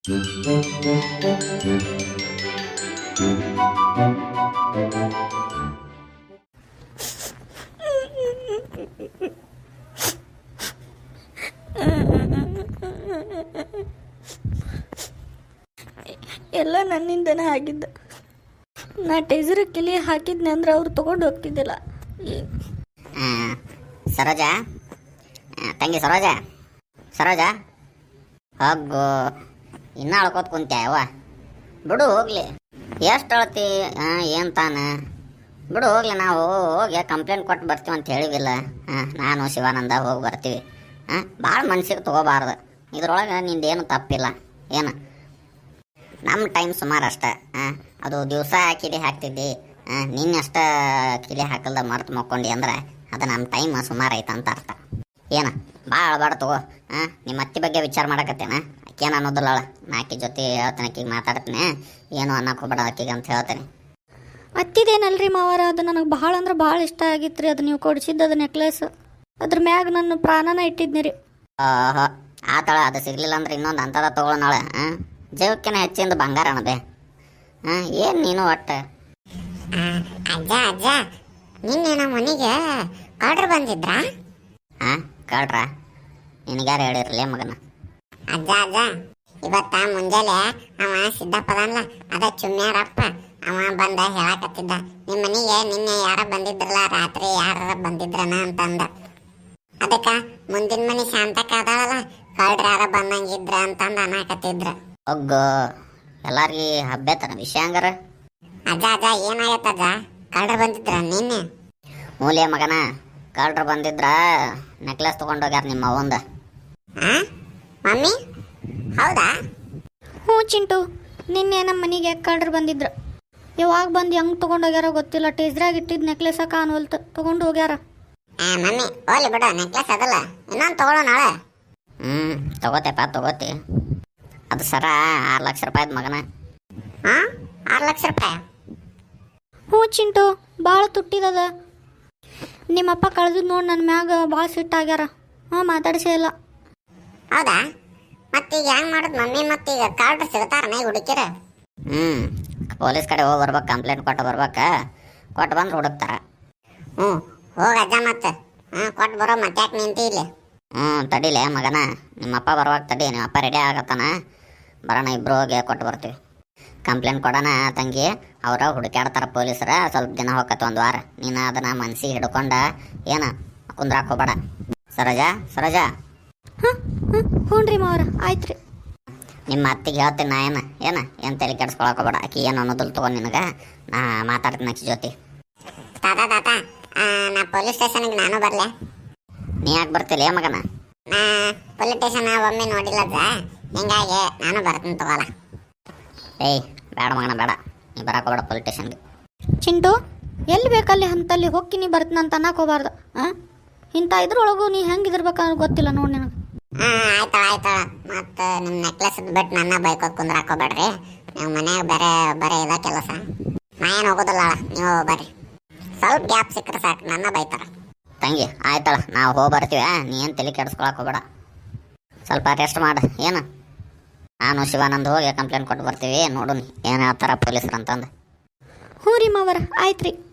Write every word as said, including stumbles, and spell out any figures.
ಎಲ್ಲ ನನ್ನಿಂದನೇ ಆಗಿದ್ದ. ನಾ ಟೇಸರ್ ಕಿಲಿ ಹಾಕಿದ್ನೆ ಅಂದ್ರೆ ಅವ್ರು ತೊಗೊಂಡು ಹೋಗ್ತಿದ್ದಿಲ್ಲ. ಸರೋಜಾ, ತಂಗಿ ಸರೋಜಾ, ಸರೋಜಾ ಹೋಗು. ಇನ್ನೂ ಅಳ್ಕೋತ ಕುಂತ್ಯಾವ. ಬಿಡು ಹೋಗ್ಲಿ. ಎಷ್ಟು ಅಳ್ತಿ? ಏನು ತಾನೆ ಬಿಡು ಹೋಗ್ಲಿ. ನಾವು ಹೋಗಿ ಕಂಪ್ಲೇಂಟ್ ಕೊಟ್ಟು ಬರ್ತೀವಿ ಅಂತ ಹೇಳಿವಿಲ್ಲ. ಹಾಂ, ನಾನು ಶಿವಾನಂದ ಹೋಗಿ ಬರ್ತೀವಿ. ಹಾಂ, ಭಾಳ ಮನ್ಸಿಗೆ ತೊಗೋಬಾರ್ದು. ಇದ್ರೊಳಗೆ ನಿಂದೇನು ತಪ್ಪಿಲ್ಲ. ಏನು ನಮ್ಮ ಟೈಮ್ ಸುಮಾರು ಅಷ್ಟೆ. ಹಾಂ, ಅದು ದಿವಸ ಕಿಲಿ ಹಾಕ್ತಿದ್ದಿ. ಹಾಂ, ನಿನ್ನಷ್ಟ ಕಿಲಿ ಹಾಕಲ್ದ ಮರ್ತು ಮಕ್ಕೊಂಡಿ ಅಂದ್ರೆ ಅದು ನಮ್ಮ ಟೈಮ್ ಸುಮಾರು ಐತೆ ಅಂತ ಅರ್ಥ. ಏನು ಭಾಳ ಅಳಬಾರ್ದು ತಗೋ. ಹಾಂ, ನಿಮ್ಮ ಅತ್ತಿ ಬಗ್ಗೆ ವಿಚಾರ ಮಾಡಕತ್ತೇನ? ಆಕೇನು ಅನ್ನೋದಿಲ್ಲ. ನಾಕಿ ಜೊತೆ ಹೇಳ್ತೇನೆ, ಆಕಿಗೆ ಮಾತಾಡ್ತೀನಿ. ಏನು ಅನ್ನಕ್ಕೆ ಹೋಗ್ಬೇಡ ಆಕಿಗೆ ಅಂತ ಹೇಳ್ತೇನೆ. ಅತ್ತಿದೇನಲ್ರಿ ಮಾವಾರ, ಅದು ನನಗೆ ಭಾಳ ಅಂದ್ರೆ ಭಾಳ ಇಷ್ಟ ಆಗಿತ್ತು ರೀ. ಅದು ನೀವು ಕೊಡಿಸಿದ್ದು ಅದು ನೆಕ್ಲೆಸ್, ಅದ್ರ ಮ್ಯಾಗ ನನ್ನ ಪ್ರಾಣನ ಇಟ್ಟಿದ್ನಿ ರೀ. ಓಹೋ, ಆತಳ ಅದು ಸಿಗಲಿಲ್ಲ ಅಂದ್ರೆ ಇನ್ನೊಂದು ಅಂಥದ ತೊಗೊಳೋಣ. ಹಾಂ, ಜೀವಕ್ಕಿನ ಹೆಚ್ಚಿಂದ ಬಂಗಾರ ಅನ್ನೋದೆ. ಹಾಂ, ಏನು ನೀನು ಒಟ್ಟು ಅಜ್ಜ ಅಜ್ಜ ನಿನ್ನೆ ನಮ್ಮ ಮನೆಗೆ ಆರ್ಡ್ರ್ ಬಂದಿದ್ರಾ? ಹಾಂ, ಕಳ್ರ ನಿನಗ್ಯಾರು ಹೇಳಿರಲಿ ಮಗನ? ಅಜ್ಜ ಅಜ್ಜ ಇವತ್ತ ಮುಂಜಾನೆ ಅವ ಸಿದ್ದಪ್ಪದಲ್ಲ, ಅದ ಚುಮ್ಮ್ಯಾರಪ್ಪ ಅವ ಬಂದ ಹೇಳಕತ್ತಿದ್ದ, ನಿಮ್ಮ ಮನೆಗೆ ನಿನ್ನೆ ಯಾರ ಬಂದಿದ್ರಲ್ಲ, ರಾತ್ರಿ ಯಾರ ಬಂದಿದ್ರನ ಅಂತಂದ. ಅದಕ್ಕ ಮುಂದಿನ ಮನೆ ಶಾಂತಕ್ಕ ಅದಾಳಲ್ಲ, ಕಳ್ರ ಯಾರ ಬಂದಂಗಿದ್ರ ಅಂತಂದ ಅನ್ನಕತ್ತಿದ್ರ. ಒಗ್ಗು ಎಲ್ಲಾರ್ಗಿ ಹಬ್ಬೆತನ ವಿಷಯ ಹಂಗಾರ. ಅಜ್ಜ ಅಜ್ಜ ಏನಾಗತ್ತಜ್ಜ, ಕಳ್ರ ಬಂದಿದ್ರ ನಿನ್ನೆ? ಮೂಲೆ ಮಗನ, ಕಳ್ರ ಬಂದಿದ್ರ ನೆಕ್ಲೆಸ್ ತೊಗೊಂಡೋಗ್ಯಾರ ನಿಮ್ಮ ಅವಂದ. ಹಾಂ ಮಮ್ಮಿ, ಹೌದಾ? ಹ್ಞೂ ಚಿಂಟು, ನಿನ್ನೆ ನಮ್ಮ ಮನೆಗೆ ಕಳ್ರು ಬಂದಿದ್ರು. ಯಾವಾಗ ಬಂದು ಹೆಂಗೆ ತೊಗೊಂಡೋಗ್ಯಾರ ಗೊತ್ತಿಲ್ಲ. ಟೇಸ್ರಾಗ ಇಟ್ಟಿದ್ದು ನೆಕ್ಲೆಸ ಕಾಣುವಲ್ತು, ತೊಗೊಂಡು ಹೋಗ್ಯಾರ. ಹಾಂ ಮಮ್ಮಿ, ಹೋಗ್ಲಿ ಬಿಡು, ನೆಕ್ಲೆಸ್ ಅದಲ್ಲ, ಇನ್ನೊಂದು ತೊಗೊಳ್ಳೋ ನಾಳೆ. ಹ್ಞೂ ತಗೋತೆಪ್ಪ, ತಗೋತಿ. ಅದು ಸರ ಆರು ಲಕ್ಷ ರೂಪಾಯಿದ ಮಗನ. ಹಾಂ, ಆರು ಲಕ್ಷ ರೂಪಾಯಿ? ಹ್ಞೂ ಚಿಂಟು, ಭಾಳ ತುಟ್ಟಿದದ. ನಿಮ್ಮಪ್ಪ ಕಳೆದು ನೋಡಿ ನನ್ನ ಮ್ಯಾಗ ಭಾಳ ಸಿಟ್ಟಾಗ್ಯಾರ. ಹಾಂ, ಮಾತಾಡ್ಸೇ ಇಲ್ಲ. ಹೌದಾ? ಮತ್ತೀಗ ಹೆಂಗೆ ಮಾಡೋದು ಮಮ್ಮಿ? ಮತ್ತೀಗ ಕಾರ್ಡ್ರ್ ಸಿಗ್ತಾರನೇ ಹುಡುಕಿರ? ಹ್ಞೂ, ಪೊಲೀಸ್ ಕಡೆ ಹೋಗಿ ಬರ್ಬೇಕು, ಕಂಪ್ಲೇಂಟ್ ಕೊಟ್ಟು ಬರ್ಬೇಕು. ಕೊಟ್ಟು ಬಂದು ಹುಡುಕ್ತಾರ. ಹ್ಞೂ, ಹೋಗ ಅಜ್ಜ ಮತ್ತೆ. ಹಾಂ, ಕೊಟ್ಟು ಬರೋ ಮತ್ತೆ ಯಾಕೆ ನಿಂತಿ ಇಲ್ಲಿ? ಹ್ಞೂ ತಡಿಲೆ ಮಗನ, ನಿಮ್ಮಪ್ಪ ಬರುವಾಗ ತಡಿ. ನಿಮ್ಮಪ್ಪ ರೆಡಿ ಆಗತ್ತಾನ, ಬರೋಣ ಇಬ್ಬರು ಹೋಗಿ ಕೊಟ್ಟು ಬರ್ತೀವಿ. ಕಂಪ್ಲೇಂಟ್ ಕೊಡೋಣ ತಂಗಿ. ಅವ್ರ ಹುಡುಕ್ಯಾಡ್ತಾರ ಪೊಲೀಸರ. ಸ್ವಲ್ಪ ದಿನ ಹೋಗತ್ತೆ, ಒಂದು ವಾರ. ನೀನು ಅದನ್ನು ಮನ್ಸಿಗೆ ಹಿಡ್ಕೊಂಡ ಏನು ಕುಂದ್ರಾಕ್ ಹೋಗ್ಬೇಡ. ಸರೋಜಾ, ಸರೋಜಾ. ಹಾಂ ಹಾಂ ಹ್ಞೂ ರೀ ಮಾವರ, ಆಯ್ತು ರೀ. ನಿಮ್ಮ ಅತ್ತಿಗೆ ಹೇಳ್ತೀನಿ ನಾ. ಏನು ಏನು ಏನು ತಲೆ ಕೆಡ್ಸ್ಕೊಳಕ್ ಹೋಗ್ಬೇಡ. ಆಕಿ ಏನು ಅನ್ನೋದಿಲ್ಲ ತಗೊಂಡು ನಿನಗೆ. ನಾ ಮಾತಾಡ್ತೀನಿ ಆಕಿ ಜೊತೆ. ತಾತ ತಾತ, ನಾ ಪೊಲೀಸ್ ಸ್ಟೇಷನ್ಗೆ ನಾನು ಬರಲೆ? ನೀ ಯಾಕೆ ಬರ್ತಿಲ್ಲ ಏ ಮಗನ? ನಾ ಪೊಲೀಸ್ ಸ್ಟೇಷನ್ ಒಮ್ಮೆ ನೋಡಿಲ್ಲ ಹಿಂಗಾಗಿ ನಾನು ಬರ್ತೀನಿ ತಗೋಲ್ಲ. ಏಯ್ ಬೇಡ ಮಗನ, ಬೇಡ. ನೀ ಬರಕ್ಕೆ ಹೋಗ್ಬೇಡ ಪೊಲೀಸ್ ಸ್ಟೇಷನ್ಗೆ. ಚಿಂಟು, ಎಲ್ಲಿ ಬೇಕಲ್ಲಿ ಅಂತಲ್ಲಿ ಹೋಗಿ ನೀ ಬರ್ತೀನಿ ಅಂತ ಅನ್ನಕ್ಕೆ ಹೋಗ್ಬಾರ್ದು. ಹಾಂ, ಇಂಥ ಇದ್ರೊಳಗು ನೀ ಹೆಂಗೆ ಇದಿರ್ಬೇಕನ್ನೋದು ಗೊತ್ತಿಲ್ಲ ನೋಡಿ ನಿನಗೆ. ಹಾಂ ಆಯ್ತಾಳ ಆಯ್ತಾಳ. ಮತ್ತು ನಿಮ್ಮ ನೆಕ್ಲೆಸ್ ಬಿಟ್ಟು ನನ್ನ ಬೈಕೋದು ಕುಂದ್ರಾಕೋಬೇಡ್ರಿ. ನೀವು ಮನ್ಯಾಗ ಬೇರೆ ಬರೀ ಇಲ್ಲ ಕೆಲಸ. ನಾ ಏನು ಹೋಗೋದಿಲ್ಲ, ನೀವು ಬರ್ರಿ. ಸ್ವಲ್ಪ ಗ್ಯಾಪ್ ಸಿಕ್ಕರೆ ಸಾಕು, ನನ್ನ ಬೈತಾರ. ತಂಗಿ ಆಯ್ತಳ, ನಾವು ಹೋಗಿ ಬರ್ತೀವಿ. ನೀ ಏನು ತಲೆ ಕೆಡಿಸ್ಕೊಳಕ್ಕೆ ಹೋಗ್ಬೇಡ. ಸ್ವಲ್ಪ ರೆಸ್ಟ್ ಮಾಡು. ಏನು ನಾನು ಶಿವಾನಂದ ಹೋಗಿ ಕಂಪ್ಲೇಂಟ್ ಕೊಟ್ಟು ಬರ್ತೀವಿ. ನೋಡು ಏನು ಹೇಳ್ತಾರ ಪೊಲೀಸರು ಅಂತಂದು. ಹ್ಞೂ ರೀ ಮಾವರ, ಆಯ್ತು ರೀ.